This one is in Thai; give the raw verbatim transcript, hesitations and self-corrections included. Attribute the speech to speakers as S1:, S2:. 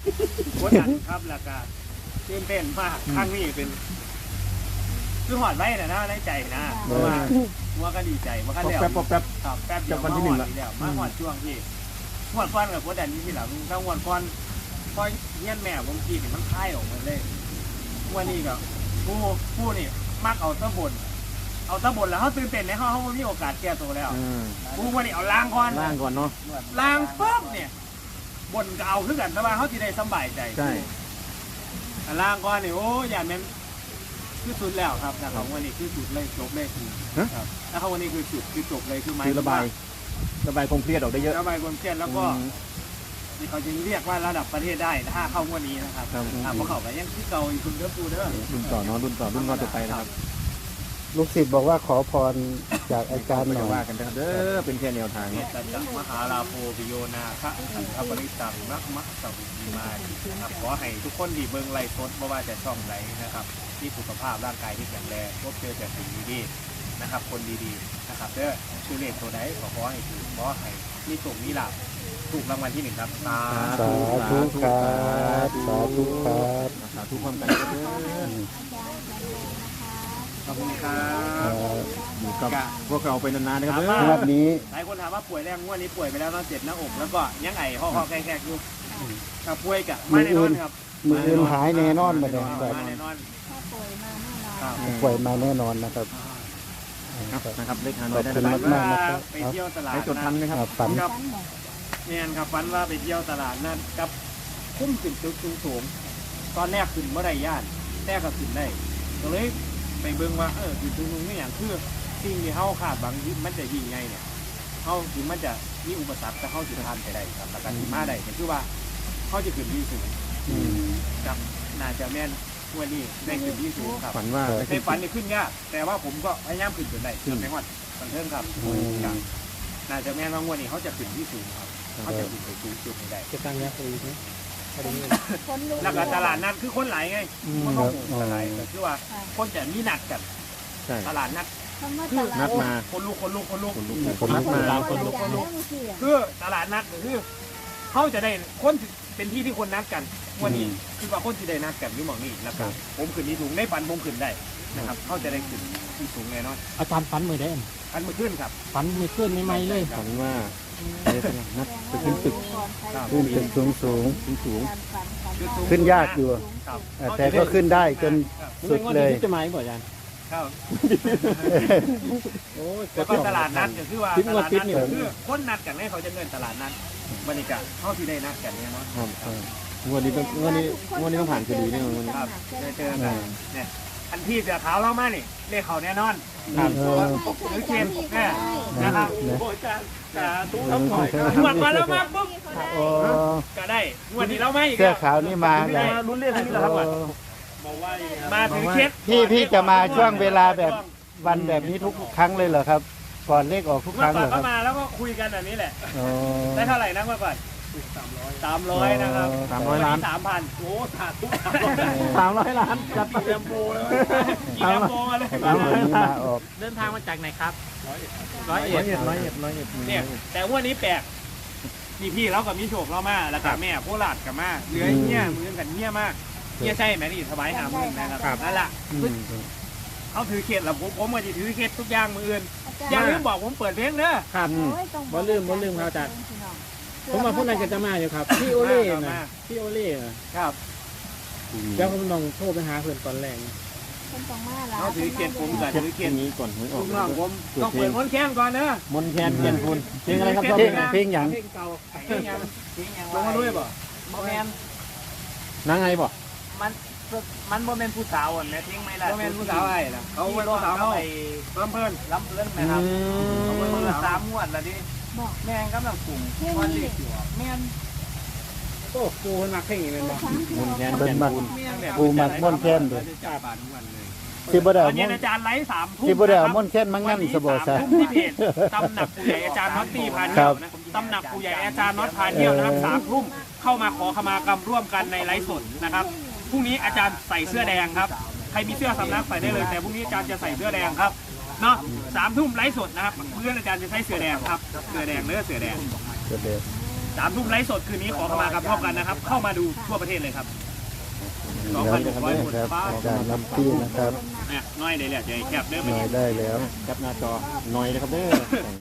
S1: กดดันครับแล้วก็ตื่นเต้นมากครั้งนี้เป็นคือหอดไว้นะนะในใจนะเพราะว่าว่าก็ดีใจว่าก็แล้ว
S2: แป๊บแป๊บ
S1: ครับแป๊บเดียวมาหอดทีเดียวมาหอดช่วงที่หอดก้อนกับกดดันนี้ที่หลังถ้าหอดก้อนพอเงี้ยแม่ผมกีนี่มันคลายออกมาเลยวันนี้ก็ผู้ผู้นี่มักเอาตะบนเอาตะบนแล้วเขาตื่นเต้นในเขาเขามีโอกาสแก้ตัวแล้วผู้วันนี้เอาล้างก่อน
S2: ล่างก่อนเนาะ
S1: ล้างปุ๊บเนี่ยบนก็เอาขึ้นกันแต่ว่าเขาที่ได้สบายใจ
S2: ใช่
S1: ล้างก่อนนี่โอ้ยอย่าแม่นคือสุดแล้วครับนะครับวันนี้คือสุดเลยจบเลยคือครับแล้วเขาวันนี้คือจุดคือจบเลยคือไม้
S2: คือระบายระบายความเครียดออกได้เยอะ
S1: ระบายความเครียดแล้วก็นี่เขาจึงเรียกว่าระดับประเทศได้ถ้าเข้างวดนี้นะครับถ้าพอเข้าไปยังที่เก่าอยู่คุณเด้อปูเด้อ
S2: รุ่นต่อเนาะรุ่นต่อรุ่นก่อนจะไปนะครับ
S3: ลูกศิษย์บอกว่าขอพรจากอาจารย์หน่
S2: จะ
S3: อย
S2: ว่ากันนะครับเด้อเป็นแค่แนวทาง
S1: เน
S2: เนาะ
S1: ตจักมหาลาโภปิโยนาคะอันทปริตังนักมักสัพพิมานะครับขอให้ทุกคนดีเบิ่งไล่สดเพราะว่าจะช่องไหนนะครับที่สุขภาพร่างกายที่แข็งแรงพบเจอแต่สิ่งดีๆนะครับคนดีๆนะครับเด้อชื่อเลขตัวใดขอขอให้ถูกขอให้มีสุขมีลาภถูกรางวัลที่หนึ่งครับสา
S3: สาธุครับสาธุครับ
S2: สาธุความกันเด้อ
S1: ขอบคุณครั
S3: เอ่
S1: บ
S3: อ
S2: อยู่กับพวกเราไปนานๆนะครับเด้
S3: งว
S2: อ
S3: ดนี้
S1: หลายคนถามว่าป่วยแรงงวดนี้ป่วยไปแล้วนอนเจ็บหน้าอกแล้วก็ยังไงห่อๆแขกๆอยู่กับป่วยกับไม่แน่นอนครับ
S3: มืออื่นหายแน่นอนมาเลยครับ
S1: มาแน่นอน
S4: ถ้าป่วยมาแน่นอน
S1: ครับ
S3: ป่วยมาแน่นอนนะครับ
S2: ครับนะครับเลขหาน้
S3: ข
S2: อ
S3: อย บ
S2: ได้
S3: คุณ
S2: นะค
S3: มา
S2: รับ
S3: กๆนะครับ
S1: ไปเที่ยวตลาด
S2: ให้จดทันไหมครับ
S3: อ่าฝัน
S1: ครับ
S4: ฝันบอก
S1: เนี่ยครับฝันว่าไปเที่ยวตลาดนั่นกับคุ้มขึ้นตึกสูงๆตอนแรกขึ้นเมื่อไรย่านแรกก็ขึ้นได้ก็เลยไปเบิ่งว่าเออขึ้นสูงๆนี่อย่างคือสิ่งที่เขาคาดบางทีมันจะยิ่งใหญ่เนี่ยเขาถึงมันจะมีอุปสรรคแต่เขาจะทานไปได้ครับแต่การที่มาได้ก็คือว่าเขาจะขึ้นที่สูง
S3: อืม
S1: กับน่าจะแม่นวันนี้ได้ขึ้นที่สูงครับ
S2: ฝันว่า
S1: ในฝันนี่ขึ้นยากแต่ว่าผมก็พยายามขึ้นจนได้ขึ้นไปหอดสันเทิงครับครับน่าจะแม่นว่างวันนี้เขาจะขึ้นที่สูงครับเขาจะขึ้นไปสูงสุดให้ได้
S5: จะตั้งยักษ์อีกไหม
S4: คนรู้
S1: แล้วก็ตลาดนัดคือคนหลายไงคน
S3: ค
S1: ก็
S3: รับ
S1: หมู่ตลาดก็คือว่าคนจะมีหนักกัน
S2: ใช่
S1: ตลาดนัด
S4: คำว่า
S1: คื
S4: ต
S1: อ
S4: ลา
S2: นั
S4: ด
S2: ดมา
S1: คนลุกคนลุกคนลุก
S2: คนลุก
S3: ค
S2: คน น
S3: ลุ
S2: นั
S3: ก
S2: ดมา
S1: คนลุกคนลุก
S4: เรื่องเสีย
S1: คือตลาดนัดก็คือเขาจะได้คนเป็นที่ที่คนนัดกันวันนี้คือว่าคนที่ได้นัดกันอยู่หมองนี้แล้วก็ผมขึ้นที่สูงในฝันผมขึ้นได้นะครับเขาจะได้ขึ้นที่สูงแน่นอน
S5: อาจารย์ฝันมือได้
S1: อันมาขึ้นครับ
S5: ฝันมือขึ้นไม่ไม่เลย
S2: ฝันว่าอะไรสักอย่างนัดไปขึ้นตึก
S3: ขึ้นตึกสูงสูง
S2: สูงสูง
S3: ๆขึ้นยากอยู่
S1: ครับ
S3: อ่าแต่ก็ขึ้นได้จนสุดเลย
S5: จะมาอีกบ่อาจารย์
S1: ครับ
S5: โอ้ย
S1: แล้วก็ตลาดนัดก็คือว่า
S5: ทิศ
S1: ต
S5: งวด
S1: ลาด
S5: ทิศ
S1: นัด
S5: นี่
S1: ก็คือคนนัดกันให้เขาจะเงินตลาดนัดบรรยากาศเขาที่ได้นัดกันเนี่ยเนาะ
S2: ครับงวดนี้ต้องงวดนี้งวดนี้ต้องผ่านคดีแน่นอนวันนี้
S1: ครับได้เจอกันเนี่ยอันที่เสือขาวเรามานี่เลขเขาแน่นอน
S3: ครับ
S1: หรือเคนเนี่ยนะครับ
S3: นะ
S1: โอ้ยการสาธุทั้งหมดหมดมาแล้วมาปุ๊บ
S3: โอ้
S1: ก็ได้งวดนี้เราไม่อีก
S3: เสื้อขาวนี่มา
S1: ไง
S3: แล้ว
S1: ลุ้นเรียกนี้แหละครับ
S3: โอ้
S1: มาถึงเคส
S3: พี่พี่จะมาช่วงเวลาแบบวันแบบนี้ทุกครั้งเลยเหรอครับ ก่อนเลขออกทุกค
S1: เมื่อ
S3: รั้ง
S1: ก่
S3: เห
S1: อ
S3: ร
S1: น
S3: อค
S1: ก็
S3: รับ
S1: มาแล้วก็คุยกันแบบนี้แหละ
S3: อ๋อ
S1: ได้เท่าไหร่นะเมื่อก่อนสามร้อยสามร้อยนะครับ
S2: สามร้อยล้าน
S1: สามพันโอ้สาธุ
S2: สามร้อยล้านจัด
S1: กี่แลมโบเลยกี่แลมโบมาเลย
S3: วันนี้มาออก
S5: เดินทางมาจากไหนครับ
S1: ร้อย
S2: ร้อย
S1: เอ็ด
S2: เอ็ดร้อยเอ็ดร้อยเอ็ด
S1: เนี่ยแต่ว่านี้แปลกพี่พี่เรากับมีโชคเรามาแล้วก็แม่โคราชกับมาเหลือเงี้ยมือกันเงี้ยมากเงี้ยใช่ไหมนี่สบายหามือนะครับนั่นแหละ
S3: อืม
S1: เขาถือเขตแล้วผมผมก็จะถือเขตทุกอย่างมืออื่นอย่าลืมบอกผมเปิดเพลงเด้อ
S5: ครับบ่ลืมบ่ลืมครับอาจารย์ผมมาพูดอะไรกันจะมาอยู่ครับพี่โอเล่นะพี่โอเล่นะครับ เดี๋ยวผมลองโทรไปหาเพื่อนตอนแรก
S4: คนต้องมาแล้ว
S1: เขาถือเขตผมกับ
S2: เช็ด
S1: ถือเข
S2: เย็
S1: ต
S2: นนี้ก่อนหวยออ
S1: ลู
S2: ก
S1: กน้องผมต้องเปิดมนต์แค้นก่อนเนอะ
S2: มนแคนเกียนคุณเพลงอะไรครับชอบ
S3: เพ
S2: เพ
S3: ล
S2: ล
S3: ง
S2: ง
S3: เพลงหยัง
S5: เพลงเก่า
S1: เพลงยังเพลงยังลงมาด้วยป่ะโมเมน
S2: นางไงบ่
S1: มันมันโมเมนผู้สาวอ่ะแม่ทิ้งไม่ได้โมเมนผู้สาวไอ้นะเขาเป็นผู้สาวเขาไปลำเพลินลำเพลินนะครับเขาเป็นผู้สามงวดแล้วดิ
S4: บอก
S1: แม่งกำลังกลุ่ม
S4: เพื่อน
S1: วัน
S4: นี่
S1: เด็กอยู่แม่น
S5: โอ้กูคนมักเพลงนี้เป็นบ่
S2: มนแคน
S3: เบิ่
S2: เกีย
S3: ง
S2: น
S3: มัก
S2: คุณ
S3: ปูมักม่วนแค้นเด้อ
S1: จ่ายบาททุกวันเลย
S3: สิบ่ได้
S1: ต
S3: เอา
S1: อน
S3: ม่
S1: เย็
S3: วน น
S1: อาจารย์ไลฟ์สามทุ่ม
S3: สิบ่ได้เอาม่วนแค้นมางั้นสบซะ
S1: ทุ่มที่เพจตำหนักผู้ใหญ่อาจารย์น็อตตีพาเที่ยวนะตำหนักผู้ใหญ่อาจารย์น็อตพาเที่ยวนะครับสามทุ่มเข้ามาขอขมากรรมร่วมกันในไลฟ์สดนะครับพรุ่งนี้อาจารย์ใส่เสื้อแดงครับใครมีเสื้อสำนักใส่ได้เลยแต่พรุ่งนี้อาจารย์จะใส่เสื้อแดงครับเนาะสามทุ่มไลฟ์สดนะครับเพื่อนอาจารย์จะใส่เสื้อแดงครับเสื้อแดงเนื้อเสื้อแดง
S3: เดี๋ยว
S1: สามทุ่มไลฟ์สดคืนนี้ขอเข้ามาครับพร้อมกันนะครับ เข้ามาดูทั่วประเทศเลยครับ
S3: แล้วนะครับเนี่ยครับอาจารย์น้ำปิ้งนะครับ
S1: เนี่ยน้อยเลยแหละจะแคบเด้อ
S3: หน่อยได้แล้ว
S2: จับหน้าจอหน่อยนะครับเด้อ